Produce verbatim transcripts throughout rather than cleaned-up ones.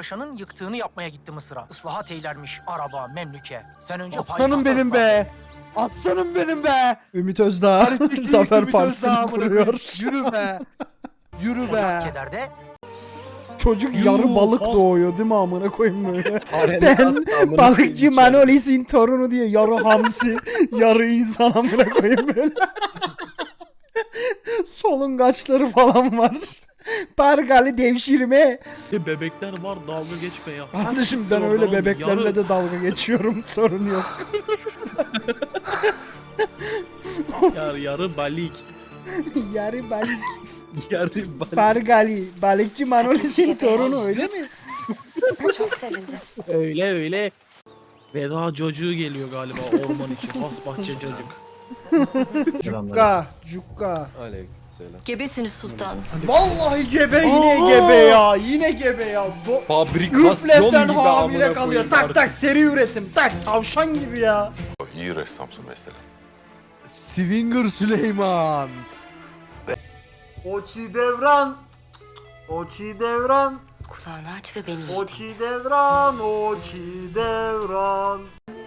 Paşa'nın yıktığını yapmaya gitti Mısır'a. Islahat eylermiş araba, memlüke. Sen önce Aslanım payitahta benim ıslah et. be. Aslanım benim be. Ümit Özdağ Hareketli Zafer Ümit Partisi'ni Özdağ amına kuruyor. koyayım. Yürü be. Yürü Ocak be. kederde Çocuk Yuh, yarı balık has- doğuyor değil mi amına koyayım böyle. Ben Ben balıkçı Manolis'in torunu diye yarı hamsi, yarı insan amına koyayım böyle. Solungaçları falan var. Pargalı devşirme. Bebekler var, dalga geçme ya. Kardeşim ben öyle bebeklerle de dalga geçiyorum, sorun yok. Yarı, yarı balik. Yarı balık. Yarı balik. Pargali. Balıkçı Manolis'in torunu öyle mi? Çok sevindim. Öyle öyle. Veda çocuğu geliyor galiba orman için. Has bahçe çocuk. Cukka. Cukka. Aleykümselam. Gebesiniz sultanım. Vallahi gebe yine gebe ya. Yine gebe ya. Do Fabrikasyon Üflesen gibi hamile amına kalıyor. koyayım Tak artık. tak seri üretim. Tak tavşan gibi ya. İyi ressamsın mesela. Swinger Süleyman. Oçi devran. Oçi devran. Kulağını aç ve beni iyi dinle. Oçi devran. Oçi devran.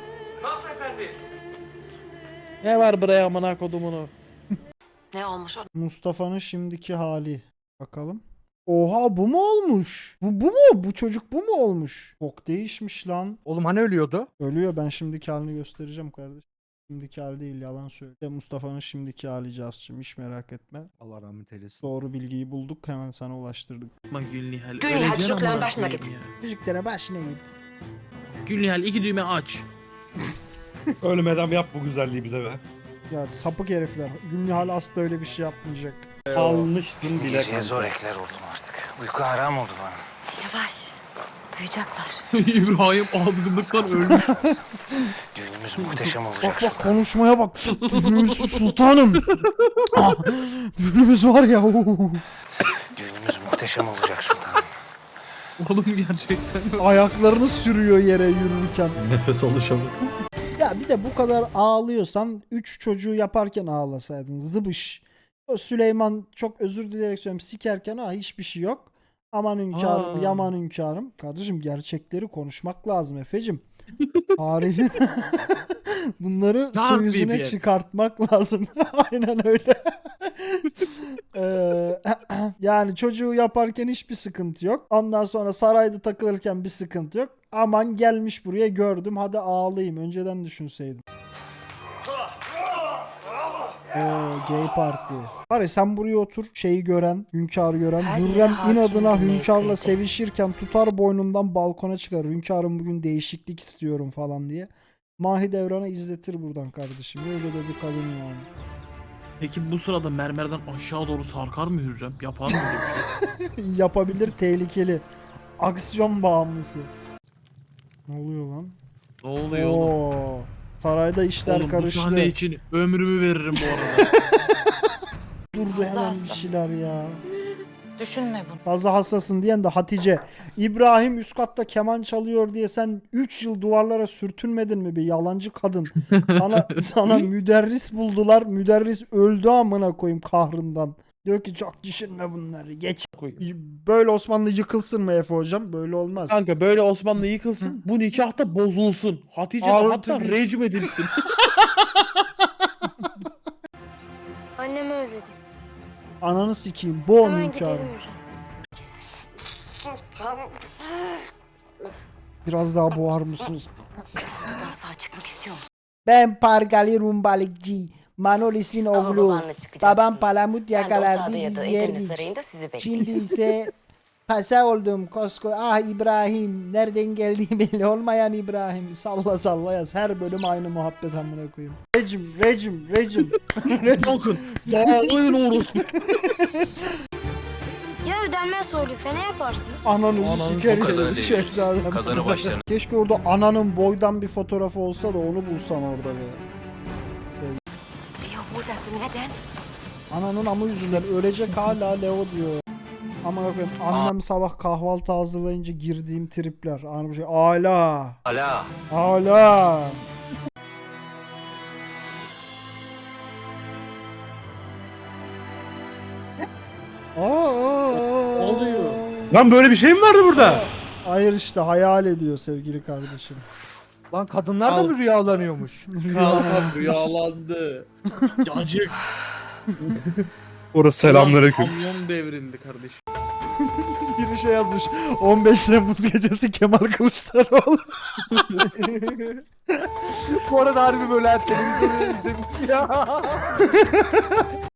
Ne var buraya amına kodumunu? Ne olmuş o? Mustafa'nın şimdiki hali. Bakalım. Oha bu mu olmuş? Bu bu mu? Bu çocuk bu mu olmuş? Çok değişmiş lan. Oğlum hani ölüyordu? Ölüyor, ben şimdiki halini göstereceğim kardeşim. Şimdiki hali değil, yalan söylüyor. Mustafa'nın şimdiki hali Cazcığım, hiç merak etme. Allah rahmet eylesin. Doğru bilgiyi bulduk, hemen sana ulaştırdık. Bak Gülnihal. Gülnihal, öleceksin çocukların amına başına koyayım git. ya. Müziklere başına git. Gülnihal iki düğme aç. Ölmeden yap bu güzelliği bize be. Ya sapık herifler. Gülnihal asla öyle bir şey yapmayacak. Salmıştın bile Geceye kanka. zor ekler oldum artık. Uyku haram oldu bana. Yavaş. Duyacaklar. İbrahim azgınlıktan ölmüş. Düğünümüz muhteşem olacak Bak bak sultanım. konuşmaya bak. Düğünümüz sultanım. Ah, düğünümüz var ya. oo. Düğünümüz muhteşem olacak sultanım. Oğlum gerçekten. Ayaklarını sürüyor yere yürürken. Nefes alışamıyor. Ya bir de bu kadar ağlıyorsan üç çocuğu yaparken ağlasaydın. Zıbış. O Süleyman, çok özür dileyerek söylüyorum, sikerken ha hiçbir şey yok. Aman hünkârım, Aa. yaman hünkârım. Kardeşim gerçekleri konuşmak lazım Efe'cim. Tarihi bunları su Tabii yüzüne bir. çıkartmak lazım. Aynen öyle. Ee, yani çocuğu yaparken hiçbir sıkıntı yok. Ondan sonra sarayda takılırken bir sıkıntı yok. Aman gelmiş buraya gördüm, hadi ağlayayım. Önceden düşünseydim. Oo, gay parti. Var ya, sen buraya otur, şeyi gören, hünkârı gören, Her yere Hürrem hakim inadına bir hünkârla mevkide. sevişirken tutar boynundan balkona çıkar. Hünkârım bugün değişiklik istiyorum falan diye. Mahidevran'a izletir buradan kardeşim. Öyle de bir kadın yani. Peki bu sırada mermerden aşağı doğru sarkar mı Hürrem? Yapar mı öyle bir şey? Yapabilir, tehlikeli. Aksiyon bağımlısı. Ne oluyor lan? Ne oluyor oğlum? Oo. Sarayda işler Oğlum bu karıştı. sahne için ömrümü veririm bu arada. Durdu Fazla hemen bir hassas. şeyler ya. Düşünme bunu. Fazla hassasın diyen de Hatice. İbrahim üst katta keman çalıyor diye sen üç yıl duvarlara sürtünmedin mi bir yalancı kadın? Sana sana müderris buldular. Müderris öldü amına koyayım kahrından. Diyor ki çok düşünme bunları. Geç. Böyle Osmanlı yıkılsın mı Efe hocam? Böyle olmaz. Kanka böyle Osmanlı yıkılsın, bu nikah da bozulsun. Hatice de Altı hatta bir- rejim edilsin. Annemi özledim. Ananı sikeyim. Boğum Hemen hünkârım. gidelim Hürrem. Biraz daha boğar mısınız? Daha sağ çıkmak istiyor musun? Ben Pargali Rumbalıkçı. Manolis'in Ama oğlu. babanla çıkacaksın. Babam palamut Ben de yakalardı, otağda ya biz da Edirne yerdik. Sarayı'nda sizi beklerim. Şimdi ise pasa oldum kosko. Ah İbrahim. Nereden geldiği belli olmayan İbrahim. Salla salla yaz. Her bölüm aynı muhabbet amına koyayım. Rejim, rejim, rejim. rejim. Kalkın. Dağılın orospu. Ya ödenmezse o lüfe ne yaparsınız? Ananızı Ananızı sikeriz. kazanı değil. Şehzadem. Kazanı başlarına. Keşke orada ananın boydan bir fotoğrafı olsa da onu bulsan orada be. Ya buradasın neden? Ananın amı yüzünden ölecek hala Leo diyor. Ama yok benim annem sabah kahvaltı hazırlayınca girdiğim tripler. Aynı bir şey. Ala. Ala. Ala. Aa, Oluyor. Lan böyle bir şey mi vardı burada? Hayır işte hayal ediyor sevgili kardeşim. Lan kadınlar da Al. mı rüyalanıyormuş? Kankam rüyalandı. Yacık. Orası selamünaleyküm. Kamyon devrildi kardeşim. Biri şey yazmış. on beş Temmuz gecesi Kemal Kılıçdaroğlu. Bu arada harbi böyle her televizyonu izlemiş ya.